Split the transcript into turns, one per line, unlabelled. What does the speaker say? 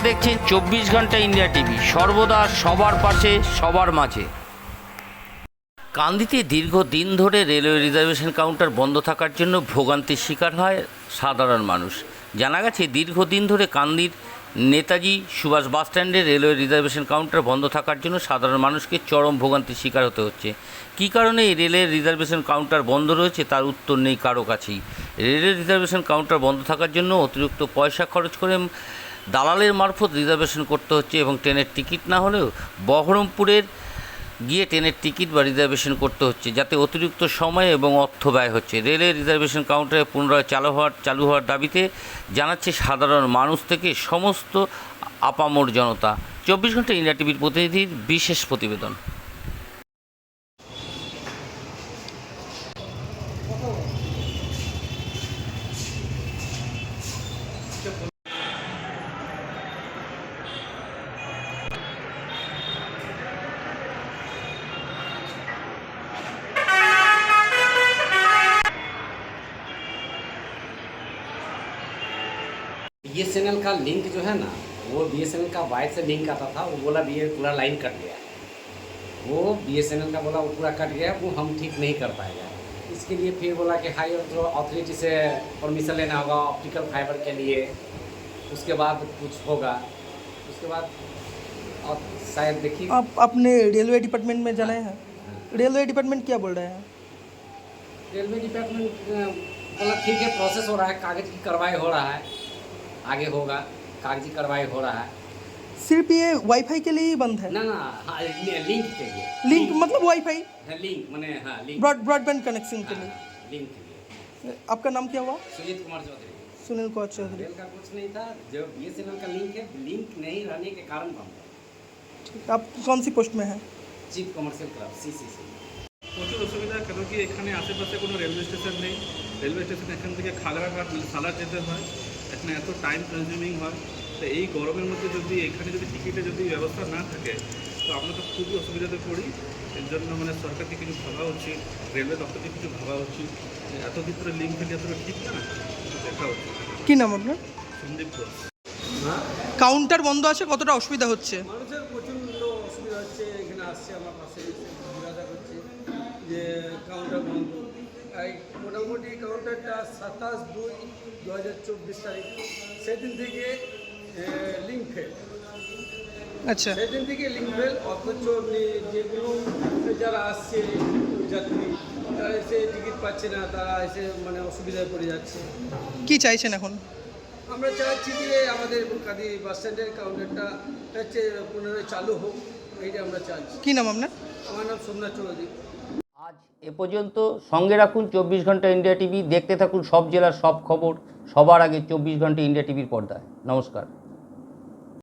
দেখছেন 24 ঘন্টা India TV, সর্বদা সবার পাশে সবার মাঝে। কান্দিতে দীর্ঘদিন ধরে রেলওয়ে রিজার্ভেশন কাউন্টার বন্ধ থাকার জন্য ভোগান্তির শিকার হয় সাধারণ মানুষ। জানা গেছে দীর্ঘদিন ধরে কান্দির নেতাজি সুভাষ বাসস্ট্যান্ডে রেলওয়ে রিজার্ভেশন কাউন্টার বন্ধ থাকার জন্য সাধারণ মানুষকে চরম ভোগান্তির শিকার হতে হচ্ছে। কী কারণে এই রেলের রিজার্ভেশন কাউন্টার বন্ধ রয়েছে তার উত্তর নেই কারো কাছেই। রেলের রিজার্ভেশন কাউন্টার বন্ধ থাকার জন্য অতিরিক্ত পয়সা খরচ করে দালালের মারফত রিজার্ভেশন করতে হচ্ছে এবং ট্রেনের টিকিট না হলেও বহরমপুরের গিয়ে ট্রেনের টিকিট বা রিজার্ভেশন করতে হচ্ছে, যাতে অতিরিক্ত সময় এবং অর্থ ব্যয় হচ্ছে। রেলের রিজার্ভেশন কাউন্টারে পুনরায় চালু হওয়ার দাবিতে জানাচ্ছে সাধারণ মানুষ থেকে সমস্ত আপামর জনতা। 24 ঘন্টা ইন্ডিয়া টিভির প্রতিনিধির বিশেষ প্রতিবেদন।
बीएसएनएल का लिंक जो है ना, वो बीएसएनएल का वायर से लिंक आता था, वो बोला भी पूरा लाइन कट गया। वो बीएसएनएल का बोला वो पूरा कट गया, वो हम ठीक नहीं कर पाएगा। इसके लिए फिर बोला कि हाई अथॉरिटी से परमिशन लेना होगा ऑप्टिकल फाइबर के लिए, उसके बाद कुछ होगा। उसके बाद और शायद देखिए
आप अपने रेलवे डिपार्टमेंट में जाना है। रेलवे डिपार्टमेंट क्या बोल रहे हैं?
रेलवे डिपार्टमेंट बोला ठीक है, प्रोसेस हो रहा है, कागज़ की कार्रवाई हो रहा है, आगे होगा, कागजी कार्रवाई हो रहा है।
सिर्फ ये वाईफाई के लिए ही बंद है?
ना हाँ, लिंक के लिए।
लिंक मतलब वाईफाई?
हाँ, लिंक माने हाँ लिंक,
ब्रॉडबैंड कनेक्शन के लिए।
लिंक के लिए।
आपका नाम क्या हुआ?
सुजीत कुमार चौधरी।
सुनील कुमार चौधरी।
रेल का कुछ नहीं था, जो बीएसएनएल का लिंक है, लिंक नहीं रहने के कारण बंद है।
ठीक, आप कौन सी पोस्ट में हैं?
Chief commercial clerk CCC.
প্রচুর অসুবিধা, কেন কি এখানে আশেপাশে কোনো রেলওয়ে স্টেশন নেই। রেলওয়ে স্টেশন এখান থেকে খাগড়াঘাট সালার যেতে হয়, এখানে এত টাইম কনজিউমিং হয়। তো এই গরমের মধ্যে যদি এখানে যদি টিকিটের যদি ব্যবস্থা না থাকে তো আমরা তো খুবই অসুবিধাতে পড়ি। এর জন্য মানে সরকারকে কিছু ভাবা উচিত, রেলওয়ে দপ্তরকে কিছু ভাবা উচিত। এতদিন ধরে লিঙ্ক থেকে এতটা ঠিক না, কিছু দেখা উচিত।
কি নাম আপনার?
সন্দীপ ঘোষ।
কাউন্টার বন্ধ আছে, কতটা অসুবিধা হচ্ছে?
মানুষের প্রচণ্ড অসুবিধা হচ্ছে। এখানে আসছে আমার পাশে এসে জিজ্ঞাসা করছে যে কাউন্টার বন্ধ। এই মোটামুটি কাউন্টারটা 27/2/2024 তারিখ, সেদিন থেকে লিঙ্ক ফেল।
আচ্ছা,
সেদিন থেকে লিঙ্ক ফেল, অথচ যেগুলো যারা আসছে যাত্রী তারা এসে টিকিট পাচ্ছে না, তারা এসে মানে অসুবিধায় পড়ে যাচ্ছে।
কি চাইছেন এখন?
আমরা চাচ্ছি যে আমাদের কাঁদি বাস স্ট্যান্ডের কাউন্টারটা হচ্ছে পুনরায় চালু হোক, এইটা আমরা চাইছি।
কি নাম আপনার?
আমার নাম সোমনাথ চৌধুরী।
আজ এ পর্যন্ত। সঙ্গে রাখুন 24 ঘন্টা ইন্ডিয়া টিভি, দেখতে থাকুন সব জেলার সব খবর সবার আগে 24 ঘন্টা ইন্ডিয়া টিভির পর্দায়। নমস্কার।